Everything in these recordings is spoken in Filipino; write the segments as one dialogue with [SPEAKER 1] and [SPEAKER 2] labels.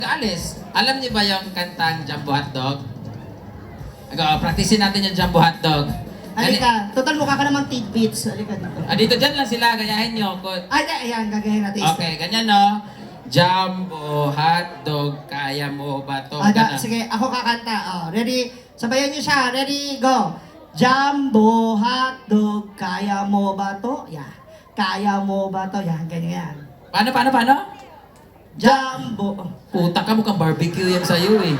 [SPEAKER 1] Alis, alam niyo ba yung kantang Jumbo Hotdog? Practicein natin yung Jumbo Hotdog.
[SPEAKER 2] Halika, total mukha ka namang tidbits. Halika dito.
[SPEAKER 1] Dito dyan lang sila, gayahin nyo.
[SPEAKER 2] Ay, ayan, gagayin natin.
[SPEAKER 1] Okay, ganyan no. Jumbo Hotdog, kaya mo ba to?
[SPEAKER 2] Sige, ako kakanta. Ready? Sabayan niyo siya. Ready, go. Jumbo hotdog, kaya mo ba to? Yeah. Kaya mo ba to? Yan, ganyan.
[SPEAKER 1] Paano?
[SPEAKER 2] Jumbo.
[SPEAKER 1] Puta ka, mukhang barbecue yan sa'yo eh.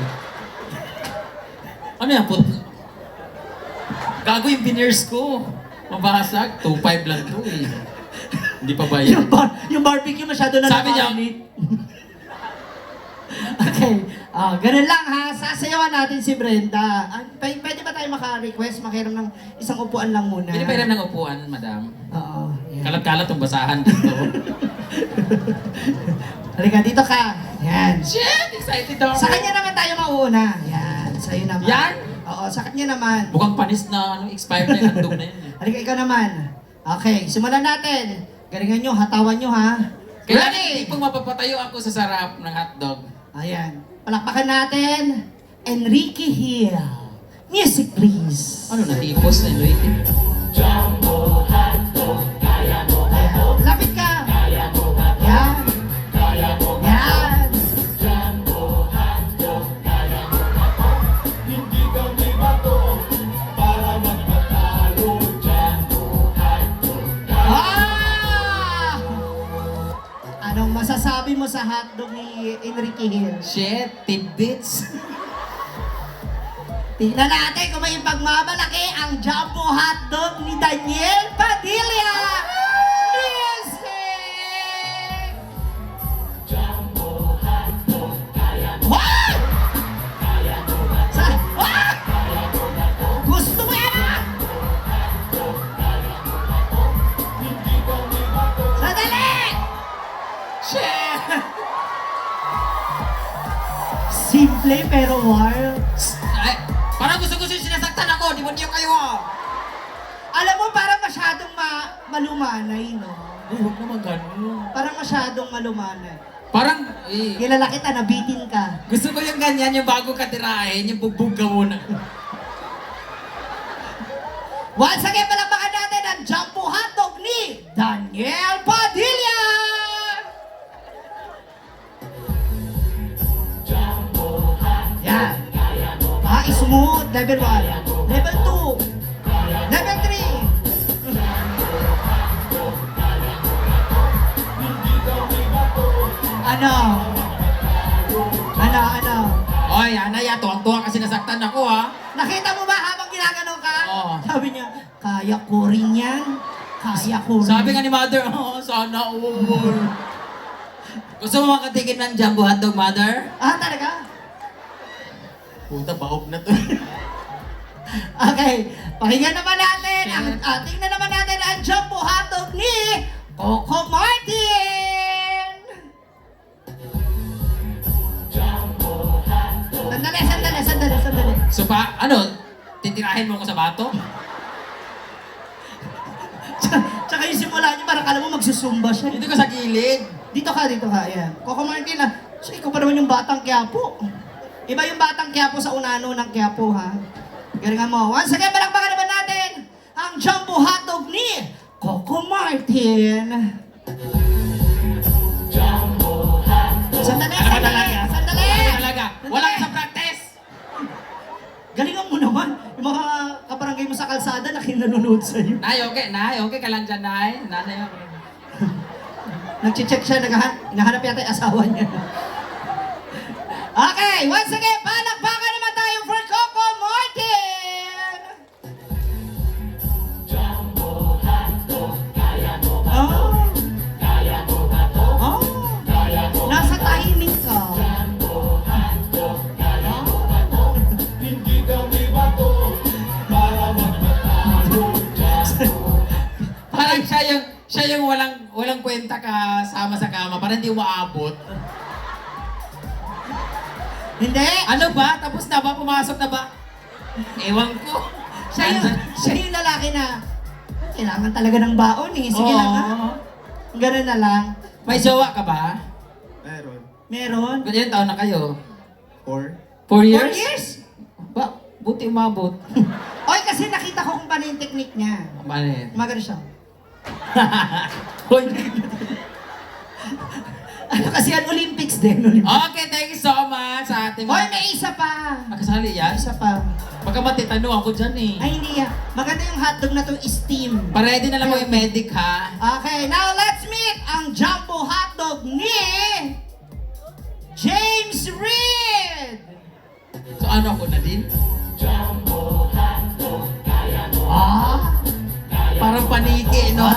[SPEAKER 1] Ano yan? Gago yung veneers ko. Mabasag. 2.5 lang to eh. Hindi pa ba yan?
[SPEAKER 2] Yung barbecue masyado na
[SPEAKER 1] Sabi niya,
[SPEAKER 2] okay. Ganun lang ha. Sasayawan natin si Brenda. Pwede ba tayo maka-request? Makiram ng isang upuan lang muna.
[SPEAKER 1] Pwede pa hiram ng upuan, madam.
[SPEAKER 2] Oo. Yan.
[SPEAKER 1] Kalat-kalat yung basahan dito.
[SPEAKER 2] Halika, dito ka. Yan.
[SPEAKER 1] Shit! Excited ako.
[SPEAKER 2] Sa kanya naman tayo mauuna. Yan. Sa'yo naman.
[SPEAKER 1] Yan?
[SPEAKER 2] Oo, sa kanya naman.
[SPEAKER 1] Mukhang panis na expired na yung handog na yun.
[SPEAKER 2] Halika, ikaw naman. Okay, simulan natin. Galingan nyo, hatawan nyo ha.
[SPEAKER 1] Kaya
[SPEAKER 2] Ready?
[SPEAKER 1] hindi pong mapapatayo ako sa sarap ng hotdog.
[SPEAKER 2] Ayan. Palakpakan natin. Enrique Hill. Music please.
[SPEAKER 1] Ano na, tipos na Enrique?
[SPEAKER 2] Ayan. Lapit ka. Yan. Yan. Ah! Anong masasabi mo sa hotdog ni Enrique Hill?
[SPEAKER 1] Shit, tidbits.
[SPEAKER 2] Tingnan natin kung may pagmamalaki ang jumbo hotdog ni Daniel Padilla! Music! Jumbo hotdog, kaya mo. What? What? Gusto mo yan ah? Sandali!
[SPEAKER 1] Shit!
[SPEAKER 2] Simple pero wild.
[SPEAKER 1] Ay, parang gusto-gusto yung sinasaktan ako. Di ba niyo kayo ah?
[SPEAKER 2] Alam mo, parang masyadong malumanay, no?
[SPEAKER 1] Ay, huwag naman ganun.
[SPEAKER 2] Parang masyadong malumanay.
[SPEAKER 1] Parang,
[SPEAKER 2] Kilala kita, nabitin ka.
[SPEAKER 1] gusto ko yung ganyan, yung bago ka tirahin, yung bugbog ka muna.
[SPEAKER 2] Once again, palakpakan natin ang jumbo hotdog ni Daniel Padilla! Yan. Smooth. Level 1. Level 2. Level 3. Ano?
[SPEAKER 1] Oy, Anaya, tuwang-tuwa kasi nasaktan ako ha.
[SPEAKER 2] Nakita mo ba habang ginaganon ka?
[SPEAKER 1] Oo.
[SPEAKER 2] Sabi niya, kaya ko rin yan. Kaya ko rin.
[SPEAKER 1] Sabi nga ni Mother, sana all. Gusto mo makatikin ng jumbo hotdog, Mother?
[SPEAKER 2] Ah, talaga?
[SPEAKER 1] Puta, baog na to.
[SPEAKER 2] Okay, pakinggan naman natin. Tingnan naman natin ang jumbo hotdog ni Coco Martin. Sandali.
[SPEAKER 1] So titirahin mo ko sa bato?
[SPEAKER 2] Tsaka yung simula niyo, parang alam mo magsusumba siya.
[SPEAKER 1] Dito ko sa gilid.
[SPEAKER 2] Dito ka, ayan. Coco Martin, so ikaw pa naman yung batang Quiapo. Iba yung batang Quiapo sa unano ng Quiapo, ha? Galingan mo. Once again, palakpakan naman natin ang jumbo hotdog ni Coco Martin. Sandali.
[SPEAKER 1] Talaga. Wala ka sa practice.
[SPEAKER 2] Galingan mo naman. Yung mga kabarangay mo sa kalsada na kinanonood sa'yo.
[SPEAKER 1] Nay, okay ka lang dyan, Nay. Nanay ako.
[SPEAKER 2] Nag-check siya, hinahanap yata yung asawa niya. Okay, once again, palakpakan naman tayo for Coco Martin! Nasa tahimik ka.
[SPEAKER 1] Parang siya yung walang kwenta kasama sa kama. Parang hindi umaabot.
[SPEAKER 2] Hindi!
[SPEAKER 1] Ano ba? Tapos na ba? Pumasok na ba? Ewan ko.
[SPEAKER 2] Siya yung lalaki na kailangan talaga ng baon eh. Sige lang ha.
[SPEAKER 1] Oo.
[SPEAKER 2] Ganun na lang.
[SPEAKER 1] May jowa ka ba?
[SPEAKER 3] Meron.
[SPEAKER 2] Meron?
[SPEAKER 1] Ilan taon na kayo?
[SPEAKER 3] 4.
[SPEAKER 1] 4
[SPEAKER 2] 4
[SPEAKER 1] years?
[SPEAKER 2] years?
[SPEAKER 1] Ba, buti umabot.
[SPEAKER 2] Oy, kasi nakita ko kung paano yung technique niya.
[SPEAKER 1] Paano yan?
[SPEAKER 2] Magano siya.
[SPEAKER 1] Hoy.
[SPEAKER 2] Ano kasi yan? Olympics din. Olympics.
[SPEAKER 1] Okay, thank you so much sa ating
[SPEAKER 2] Hoy, may isa pa.
[SPEAKER 1] Kasali yan?
[SPEAKER 2] Isa pa.
[SPEAKER 1] Pagka matitano ako dyan eh.
[SPEAKER 2] Ay, hindi yan. Maganda yung hotdog na to steam.
[SPEAKER 1] Paready na lang mo yung medic ha.
[SPEAKER 2] Okay, now let's meet ang jumbo hotdog ni James Reed!
[SPEAKER 1] So ano ako na din?
[SPEAKER 2] Ah?
[SPEAKER 1] Parang paniki, no?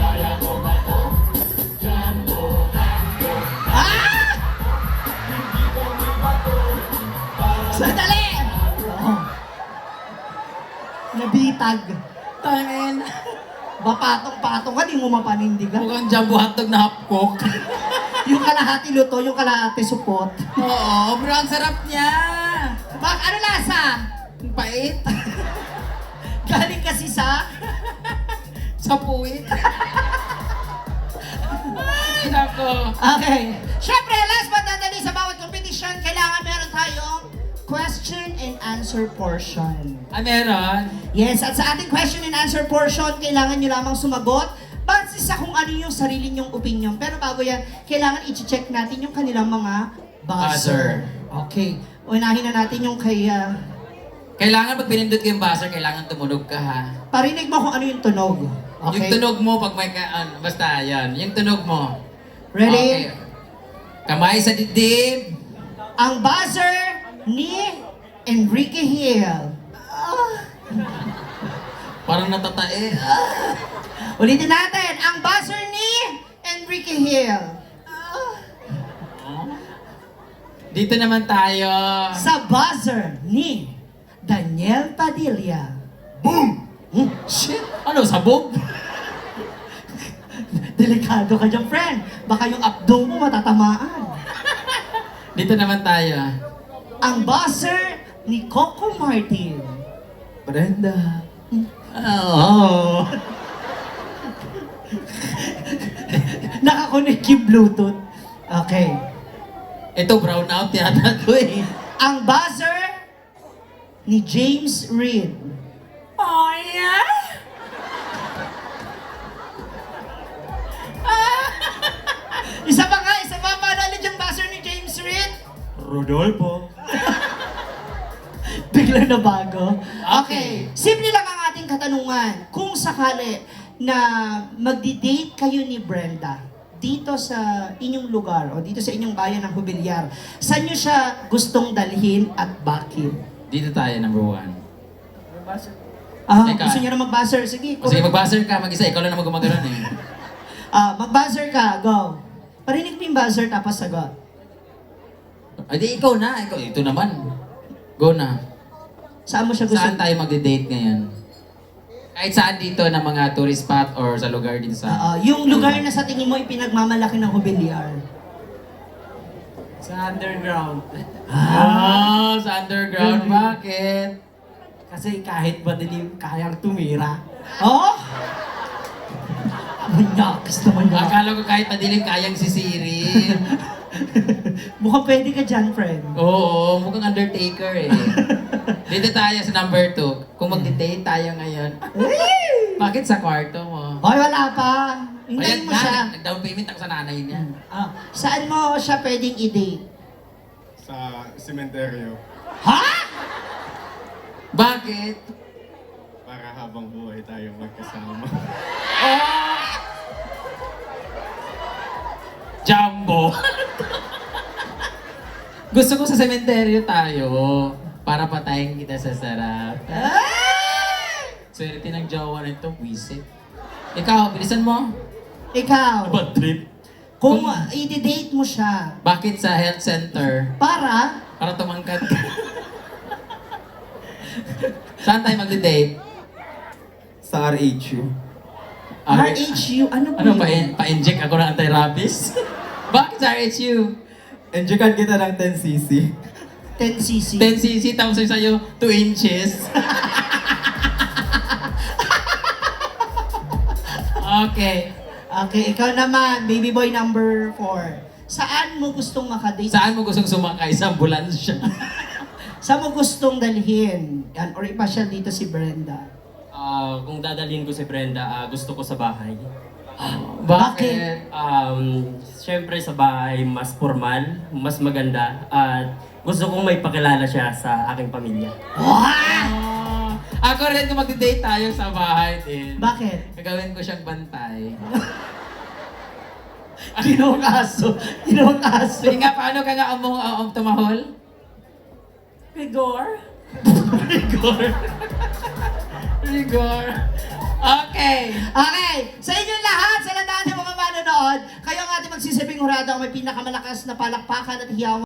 [SPEAKER 2] Ah! Sandali! Oh. Nabitag.
[SPEAKER 1] Tangin.
[SPEAKER 2] Bapatong-patong ka, di mo mapanindigan.
[SPEAKER 1] Mukhang jumbo hotdog na half-cook.
[SPEAKER 2] Yung kalahati luto, yung kalahati supot.
[SPEAKER 1] Oo, bro, ang sarap niya.
[SPEAKER 2] Ano lasa?
[SPEAKER 1] Ang pait.
[SPEAKER 2] Galing kasi sa...
[SPEAKER 1] Sa puwit. Nako.
[SPEAKER 2] Okay. Siyempre, last but not the least, sa bawat competition, kailangan meron tayong question and answer portion.
[SPEAKER 1] Ah, meron?
[SPEAKER 2] Yes, at sa ating question and answer portion, kailangan nyo lamang sumagot base sa kung ano yung sarili nyong opinion. Pero bago yan, kailangan i-check natin yung kanilang mga buzzer. Okay. Unahin na natin yung kay...
[SPEAKER 1] Kailangan pag pinindot ko yung buzzer, kailangan tumunog ka ha.
[SPEAKER 2] parinig mo kung ano yung tunog. Okay?
[SPEAKER 1] Yung tunog mo pag may basta yan. Yung tunog mo.
[SPEAKER 2] Ready?
[SPEAKER 1] Okay. Kamay sa dibdib.
[SPEAKER 2] Ang buzzer ni Enrique Hill.
[SPEAKER 1] Parang natatae.
[SPEAKER 2] Ulitin natin. Ang buzzer ni Enrique Hill.
[SPEAKER 1] Dito naman tayo.
[SPEAKER 2] Sa buzzer ni Daniel Padilla.
[SPEAKER 1] Boom! Shit! Ano, sabog?
[SPEAKER 2] Delikado ka dyan, friend. Baka yung abdong mo matatamaan.
[SPEAKER 1] Dito naman tayo.
[SPEAKER 2] Ang buzzer ni Coco Martin.
[SPEAKER 3] Brenda.
[SPEAKER 1] Oh.
[SPEAKER 2] Nakakonect yung Bluetooth. Okay.
[SPEAKER 1] Ito, brown out yata to eh.
[SPEAKER 2] Ang buzzer ni James Reed.
[SPEAKER 1] Oh, yeah?
[SPEAKER 2] Isa pa nga, isa pa. Paano ulit yung buzzer ni James Reed?
[SPEAKER 3] Rodolfo.
[SPEAKER 2] Bigla na bago.
[SPEAKER 1] Okay.
[SPEAKER 2] Simple lang ang ating katanungan. Kung sakali na magdi-date kayo ni Brenda dito sa inyong lugar o dito sa inyong bayan ng Hubilyar, saan nyo siya gustong dalhin at bakit?
[SPEAKER 1] Dito tayo, number 1. Teka.
[SPEAKER 2] Gusto nyo na mag-buzzer? Sige,
[SPEAKER 1] O sige, mag-buzzer ka, mag-isa. Ikaw lang naman gumagano'n eh.
[SPEAKER 2] mag-buzzer ka, go. Parinig mo yung buzzer tapos sagot.
[SPEAKER 1] Ay, di ikaw na. Ito naman. Go na.
[SPEAKER 2] Saan mo siya gusto?
[SPEAKER 1] Saan tayo magde-date ngayon? Kahit saan dito na mga tourist spot or sa lugar dito sa...
[SPEAKER 2] Yung lugar na sa tingin mo ipinagmamalaki ng Hubilyar.
[SPEAKER 3] Sa underground.
[SPEAKER 1] Sa underground. Bakit?
[SPEAKER 3] Kasi kahit madilim, kayang tumira.
[SPEAKER 2] Oh? Manyakis naman yan.
[SPEAKER 1] Akala ko kahit madilim, kayang sisirin.
[SPEAKER 2] Mukhang pwede ka dyan, friend.
[SPEAKER 1] Oo, mukhang Undertaker eh. Dito tayo sa number 2. Kung magde-date tayo ngayon. Bakit sa kwarto mo?
[SPEAKER 2] Hoy, wala pa. Hintayin mo siya.
[SPEAKER 1] Nag-down payment ako sa nanay niya.
[SPEAKER 2] Saan mo siya pwedeng i-date?
[SPEAKER 4] Sa sementeryo
[SPEAKER 2] Ha?
[SPEAKER 1] Bakit?
[SPEAKER 4] para habang buhay tayong magkasama.
[SPEAKER 1] Jumbo! Gusto ko sa sementeryo tayo. Para patayin kita sa sarap. Swerte ng jowa nito, wisit. Ikaw, bilisan mo.
[SPEAKER 2] Ikaw,
[SPEAKER 1] Bad trip.
[SPEAKER 2] kung i-date mo siya,
[SPEAKER 1] Bakit sa health center?
[SPEAKER 2] para
[SPEAKER 1] Para tumangkat ka. Saan tayo magde-date?
[SPEAKER 3] Sa RHU.
[SPEAKER 2] RHU, ano po
[SPEAKER 1] Ano,
[SPEAKER 2] yun?
[SPEAKER 1] pa-inject ako ng anti-rabies? Bakit sa RHU?
[SPEAKER 3] Enjoyan kita ng 10cc.
[SPEAKER 2] 10cc.
[SPEAKER 1] 10cc, tapos sa'yo 2 inches. Okay.
[SPEAKER 2] Okay, ikaw naman, baby boy number 4. Saan mo gustong makadate?
[SPEAKER 1] Saan mo gustong sumakay sa ambulansya?
[SPEAKER 2] Saan mo gustong dalhin? Yan, or ipasyal dito si Brenda.
[SPEAKER 3] Kung dadalhin ko si Brenda, gusto ko sa bahay.
[SPEAKER 1] Bakit?
[SPEAKER 3] Siyempre sa bahay, mas formal, mas maganda, at gusto kong may pakilala siya sa aking pamilya.
[SPEAKER 1] Ako rin kung magdi-date tayo sa bahay din.
[SPEAKER 2] Bakit?
[SPEAKER 1] Gagawin ko siyang bantay.
[SPEAKER 2] Ginawang aso. Ginawang aso.
[SPEAKER 1] Sige nga, paano ka nga tumahol?
[SPEAKER 3] Rigor?
[SPEAKER 1] Rigor. Okay.
[SPEAKER 2] Okay, sa inyo lahat, sa lahat ng mga manonood, kayo ang ating magsisibing hurado ang may pinakamalakas na palakpakan at hiyawan.